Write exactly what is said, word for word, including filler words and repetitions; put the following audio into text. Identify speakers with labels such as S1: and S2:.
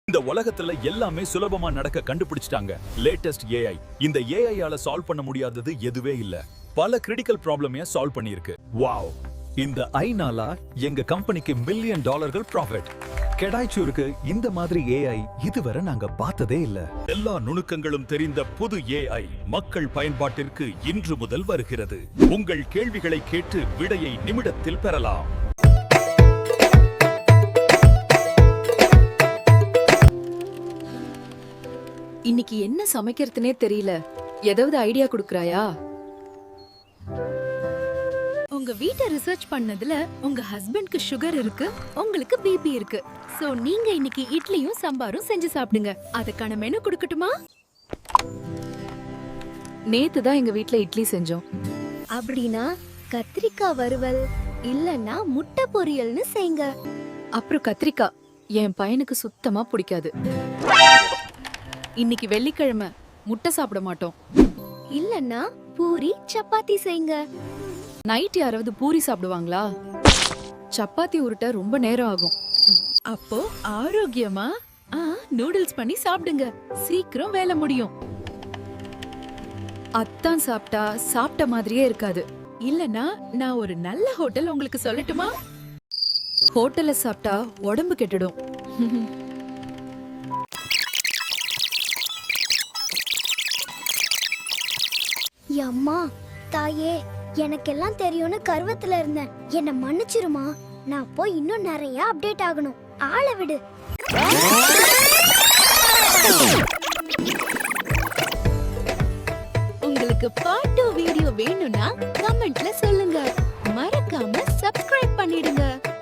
S1: இந்த உலகத்துல எல்லாமே சுலபமா நடக்க கண்டுபிடிச்சிட்டாங்க லேட்டஸ்ட் ஏஐ. இந்த ஏஐ ஆல சால்வ் பண்ண முடியாதது எதுவே இல்ல. பல கிரிட்டிக்கல் ப்ராப்ளமே சால்வ் பண்ணிருக்கு. வாவ்! இந்த ஐனால எங்க கம்பெனிக்கு மில்லியன் டாலர்கள் ப்ராஃபிட். கெடாய்ச்சூருக்கு இந்த மாதிரி ஏஐ இதுவரை நாங்க பார்த்ததே இல்ல. எல்லா நுணுக்கங்களும் தெரிந்த புது ஏஐ மக்கள் பயன்பாட்டிற்கு இன்று முதல் வருகிறது. உங்கள் கேள்விகளை கேட்டு விடையை நிமிடத்தில் பெறலாம்.
S2: இன்னைக்கு என்ன சமைக்கிறதுனே தெரியல. ஏதாவது ஐடியா குடுக்கறாயா?
S3: உங்க வீட்டை ரிசர்ச் பண்ணதுல உங்க ஹஸ்பண்ட்க்கு சுகர் இருக்கு, உங்களுக்கு பிபி இருக்கு. சோ நீங்க இன்னைக்கு இட்லியும் சாம்பாரும் செஞ்சு சாப்பிடுங்க. அதுக்கான மெனு கொடுக்கட்டுமா?
S2: நேத்து தான் எங்க வீட்ல இட்லி செஞ்சோம்.
S3: அப்படின்னா கத்திரிக்காய் வறுவல் இல்லனா முட்டை பொரியல்னு செய்யுங்க.
S2: அப்புறம் கத்திரிக்காய் என் பையனுக்கு சுத்தமா பிடிக்காது. இன்னைக்கு வெள்ளிக்கிழமை, முட்டை சாப்பிட மாட்டோம்.
S3: இல்லனா பூரி சப்பாத்தி செய்யுங்க.
S2: நைட் யாராவது பூரி சாப்பிடுவாங்களா? சப்பாத்தி உருட்ட ரொம்ப நேரம் ஆகும்.
S3: அப்போ ஆரோக்கியமா ஆ நூடுல்ஸ் பண்ணி சாப்பிடுங்க. சீக்கிரம் வேலை முடியும்.
S2: அத்தான் சாப்பிட்டா சாப்பிட்ட மாதிரியே இருக்காது.
S3: இல்லனா நான் ஒரு நல்ல ஹோட்டல் உங்களுக்கு சொல்லட்டுமா?
S2: ஹோட்டல்ல சாப்பிட்டா உடம்பு கெட்டுடும்.
S4: அம்மா, தாயே, எனக்கெல்லாம் தெரியும்னு கர்வத்துல இருந்தேன். என்ன மன்னிச்சிருமா. நான் போய் இன்னும் நிறைய அப்டேட் ஆகணும். ஆள விடு.
S3: உங்களுக்கு பார்ட் டூ வீடியோ வேணும்னா கமெண்ட்ல சொல்லுங்க. மறக்காம சப்ஸ்கிரைப் பண்ணிடுங்க.